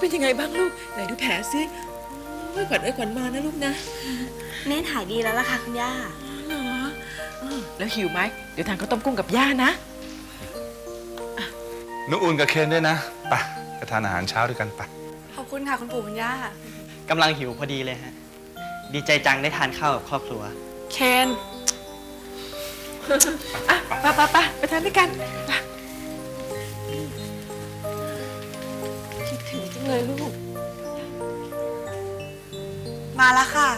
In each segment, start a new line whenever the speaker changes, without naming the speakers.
เป็นยังไงบ้างลูกไหนดูแผลซิโอ้ยขวัญขวัญมานะลูกนะ
เนตรหายดีแล้วล่ะค่ะคุณย่า
เหรอแล้วหิวไหมเดี๋ยวทานข้าวต้มกุ้งกับย่านะ
นุอุ่นกับเคนด้วยนะไปทานอาหารเช้าด้วยกันไป
ขอบคุณค่ะคุณปู่คุณย่า
กำลังหิวพอดีเลยฮะดีใจจังได้ทานข้าวกับครอบครัว
เคนไปทานด้วยกันคิดถึงจังเลยลูก
มาแล้วค่ะ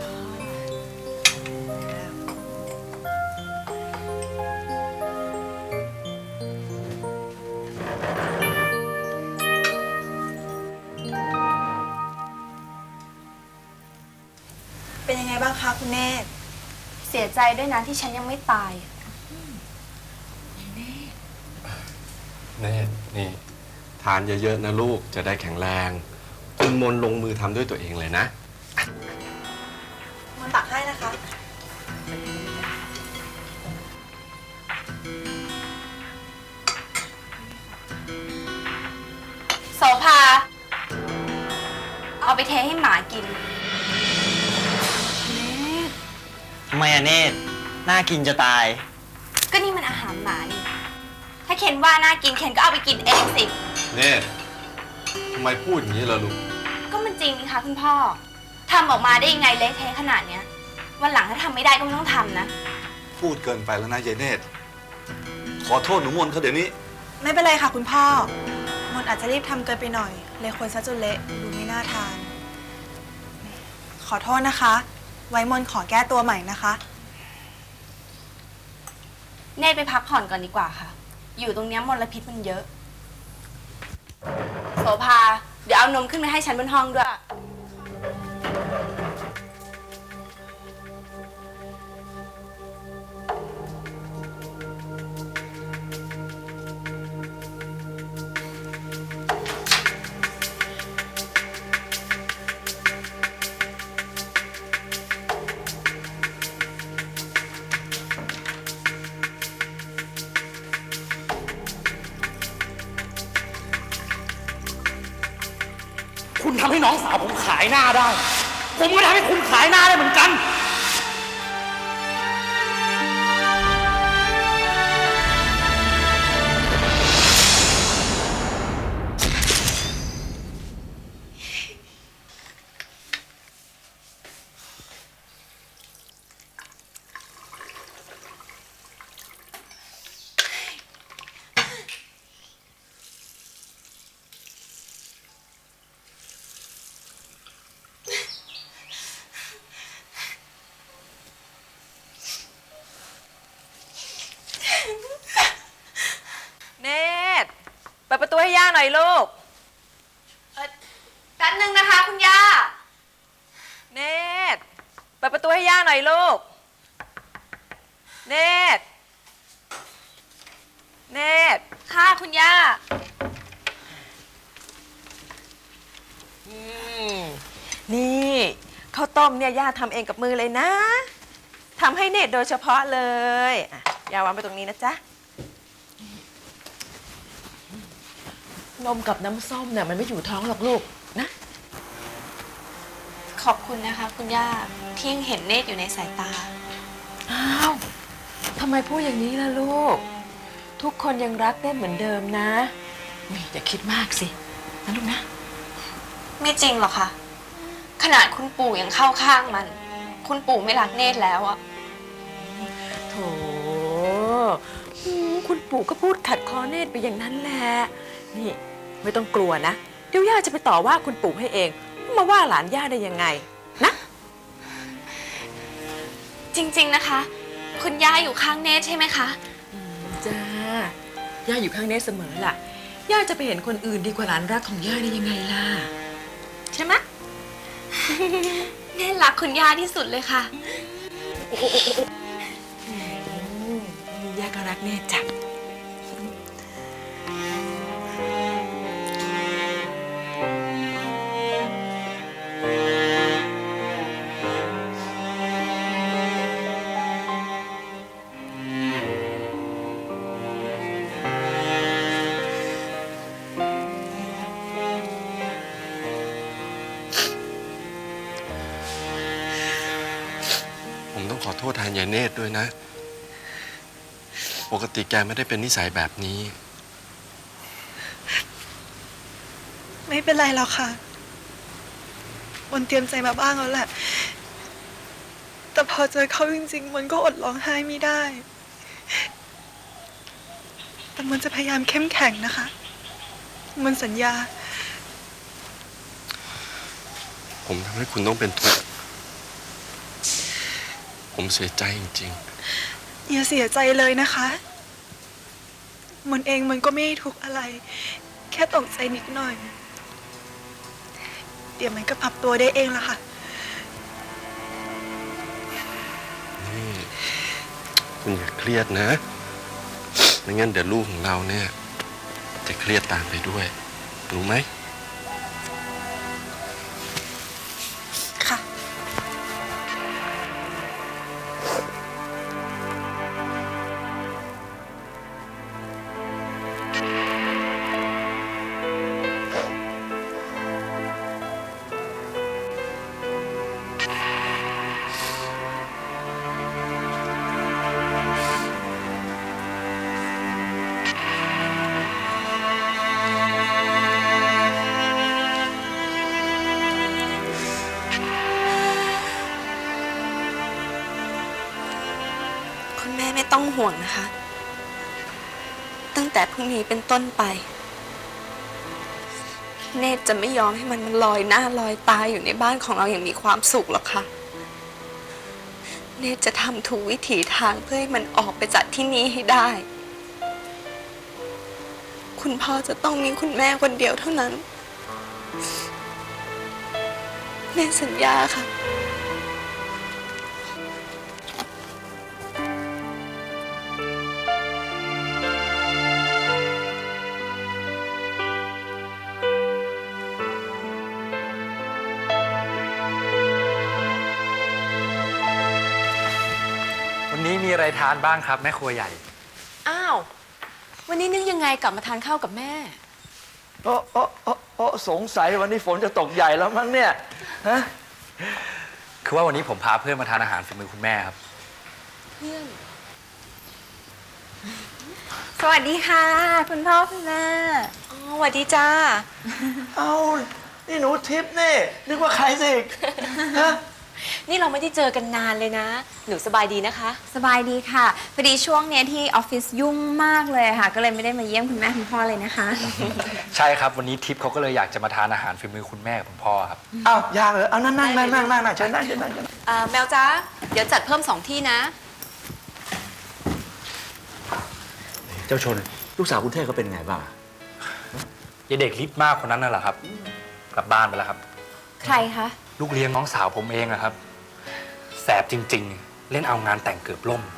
เป็นยังไงบ้างคะคุณเนตรเสียใจด้วยนะที่ฉันยังไม่ตาย
เนตรนี่ทานเยอะๆนะลูกจะได้แข็งแรงคุณมนลงมือทำด้วยตัวเองเลยนะ
มันตักให้นะคะโสภาเอาไปเทให้หมากิน
ทำไมอะเนตรน่ากินจะตาย
ก็นี่มันอาหารหมานี่ถ้าเคนว่าน่ากินเคนก็เอาไปกินเองสิ
เนตรทำไมพูดอย่างนี้ล่ะลูก
ก็มันจริงนี่คะคุณพ่อทำออกมาได้ยังไงเละเทะขนาดเนี้ยวันหลังถ้าทำไม่ได้ก็ไม่ต้องทำนะ
พูดเกินไปแล้วนะยายเนตรขอโทษหนูมนเขาเดี๋ยวนี้
ไม่เป็นไรค่ะคุณพ่อมนอาจจะรีบทำเกินไปหน่อยเลยคนซะจนเละดูไม่น่าทานขอโทษนะคะไว้มนขอแก้ตัวใหม่นะคะ
เนตรไปพักผ่อนก่อนดีกว่าค่ะอยู่ตรงนี้มลพิษมันเยอะโสภาเดี๋ยวเอานมขึ้นมาให้ฉันบนห้องด้วย
คุณทำให้น้องสาวผมขายหน้าได้ผมก็ทำให้คุณขายหน้าได้เหมือนกัน
เนตรเปิดประตูให้ย่าหน่อยลูก
แป๊บนึงนะคะคุณย่า
เนตรเปิดประตูให้ย่าหน่อยลูกเนตรเนตร
ค่ะคุณย่า
นี่ข้าวต้มเนี่ยย่าทำเองกับมือเลยนะทำให้เนตรโดยเฉพาะเลยย่าวางไปตรงนี้นะจ๊ะนมกับน้ำส้มเนี่ยมันไม่อยู่ท้องหรอกลูกนะ
ขอบคุณนะคะคุณย่าที่ยังเห็นเนตรอยู่ในสายตา
อ้าวทำไมพูดอย่างนี้ล่ะลูกทุกคนยังรักเนตรเหมือนเดิมนะอย่าคิดมากสินะลูกนะ
ไม่จริงหรอกค่ะขนาดคุณปู่ยังเข้าข้างมันคุณปู่ไม่รักเนตรแล้วอะ
โถคุณปู่ก็พูดขัดคอเนตรไปอย่างนั้นแหละนี่ไม่ต้องกลัวนะเดี๋ยวย่าจะไปต่อว่าคุณปู่ให้เองมาว่าหลานย่าได้ยังไงนะ
จริงๆนะคะคุณย่าอยู่ข้างเนตรใช่ไหมคะ
จ้าย่าอยู่ข้างเนตรเสมอล่ะย่าจะไปเห็นคนอื่นดีกว่าหลานรักของย่าได้ยังไงล่ะใช่ไหม
เนตรรักคุณย่าที่สุดเลยค่ะ
ย่าก็รักเนตรจ้ะ
ต้องขอโทษแทนยายเนตรด้วยนะ ปกติแกไม่ได้เป็นนิสัยแบบนี้
ไม่เป็นไรหรอกค่ะมนเตรียมใจมาบ้างแล้วแหละ แต่พอเจอเขาจริงๆ มันก็อดร้องไห้ไม่ได้ แต่มันจะพยายามเข้มแข็งนะคะ มันสัญญา
ผมทำให้คุณต้องเป็นทุกข์ผมเสียใจจริง
อย่าเสียใจเลยนะคะ มันเองมันก็ไม่ได้ทุกข์อะไร แค่ตกใจนิดหน่อย เดี๋ยวมันก็ปรับตัวได้เองละค่ะ
ๆ นี่ คุณอย่าเครียดนะ ไม่งั้นเดี๋ยวลูกของเราเนี่ย จะเครียดตามไปด้วย รู้ไหม
ค่ะ
คุณแม่ไม่ต้องห่วงนะคะ ตั้งแต่พรุ่งนี้เป็นต้นไป เนตรจะไม่ยอมให้มันลอยหน้าลอยตาอยู่ในบ้านของเราอย่างมีความสุขหรอกค่ะ เนตรจะทำทุกวิถีทางเพื่อให้มันออกไปจากที่นี้ให้ได้ คุณพ่อจะต้องมีคุณแม่คนเดียวเท่านั้น เนตรสัญญาค่ะ
วันนี้มีอะไรทานบ้างครับแม่ครัวใหญ่
อ้าว วันนี้นึกยังไงกลับมาทานข้าวกับแม่
โอ้สงสัยวันนี้ฝนจะตกใหญ่แล้วมั้งเนี่ย ฮะ
คือว่าวันนี้ผมพาเพื่อนมาทานอาหารฝีมือคุณแม่ครับ
สวัสดีค่ะ คุณพ่อคุณแม่อ๋อสวัสดีจ้า
เอานี่หนูทิพย์นี่ นึกว่าใครสิฮะ
นี่เราไม่ได้เจอกันนานเลยนะ หนูสบายดีนะคะ
สบายดีค่ะพอดีช่วงเนี้ยที่ออฟฟิศยุ่งมากเลยค่ะ ก็เลยไม่ได้มาเยี่ยมคุณแม่คุณพ่อเลยนะคะ
ใช่ครับวันนี้ทิพย์เขาก็เลยอยากจะมาทานอาหารฝีมือคุณแม่กับคุณพ่อครับ
เอายากเหรอเอานั่งเชิญนั่ง
แมวจ้าเดี๋ยวจัดเพิ่ม2 ที่นะ
เจ้าชน ลูกสาวคุณเทพเขาเป็นไงบ้าง
ยายเด็กลิฟต์มากคนนั้นน่ะเหรอครับ กลับบ้านไปแล้วครับ
ใครคะ
ลูกเลี้ยงน้องสาวผมเองอะครับ แสบจริงๆ เล่นเอางานแต่งเกือบล่ม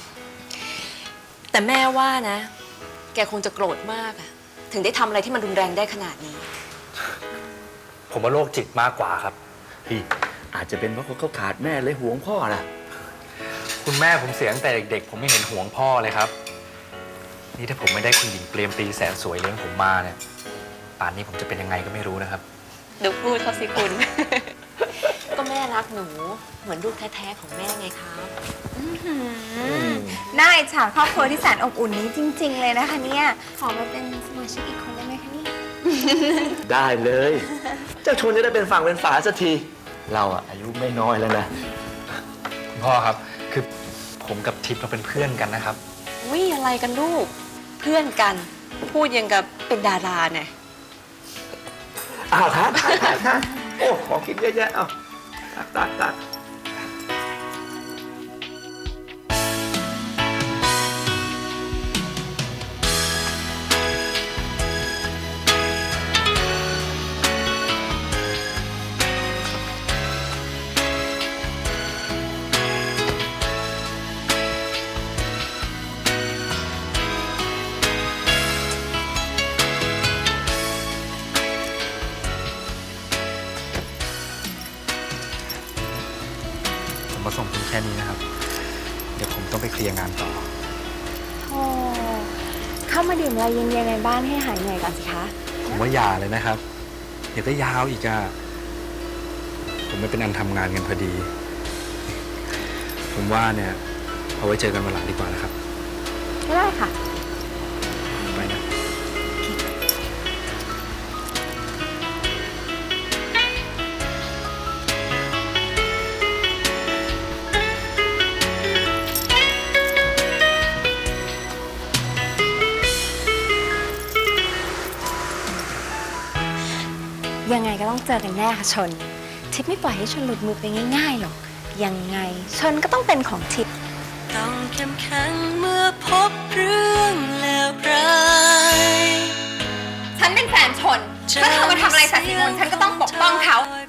แต่แม่ว่านะ แกคงจะโกรธมากอะถึงได้ทำอะไรที่มันรุนแรงได้ขนาดนี้
ผมว่าโรคจิตมากกว่าครับ
พี่อาจจะเป็นเพราะเขาขาดแม่เลยห่วงพ่อน่ะ
คุณแม่ผมเสียตั้งแต่เด็กๆ ผมไม่เห็นห่วงพ่อเลยครับ นี่ถ้าผมไม่ได้คุณหญิงเปรมปรีแสนสวยเลี้ยงผมมาเนี่ย ป่านนี้ผมจะเป็นยังไงก็ไม่รู้นะครับ
ดูพูดเขาสิคุณ ก็แม่รักหนู เหมือนลูกแท้ๆของแม่ไงคะ
น่าอิจฉาครอบครัวที่แสนอบอุ่นนี้จริง ๆ เลยนะคะเนี่ย ขอมาเป็นสมาชิกอีกคนได้ไหมคะเนี่ย
ได้เลย เจ้าชนจะได้เป็นฝั่งเป็นฝาสักที เราอะอายุไม่น้อยแล้วนะ
คุณพ่อครับ คือผมกับทิพย์เราเป็นเพื่อนกันนะครับ
วิอะไรกันลูก เพื่อนกัน พูดยังกับเป็นดาราเนี่ย
อ้าวทานโอ้ของกินเยอะแยะ เอาตัก
ผมมาส่งคุณแค่นี้นะครับ เดี๋ยวผมต้องไปเคลียร์งานต่อ
โอ้เข้ามาดื่มอะไรเย็นๆในบ้านให้หายเหนื่อยก่อนสิคะ
ผมว่าอย่าเลยนะครับ เดี๋ยวก็ยาวอีกอะผมไม่เป็นอันทำงานกันพอดี ผผมว่าเนี่ยเอาไว้เจอกันวันหลังดีกว่านะครับ
ไม่ได้ค่ะ
ไปนะ
ยังไงก็ต้องเจอกันแน่ค่ะชน ทิพย์ไม่ปล่อยให้ชนหลุดมือไปง่ายๆหรอก ยังไงชนก็ต้องเป็นของทิพย์
ต้องเข้มแข็งเมื่อพบเรื่องเลวร้าย
ฉันเป็นแฟนชน ถ้าเธอมาทำอะไรสัตย์สิมนฉันก็ต้องปกป้องเขา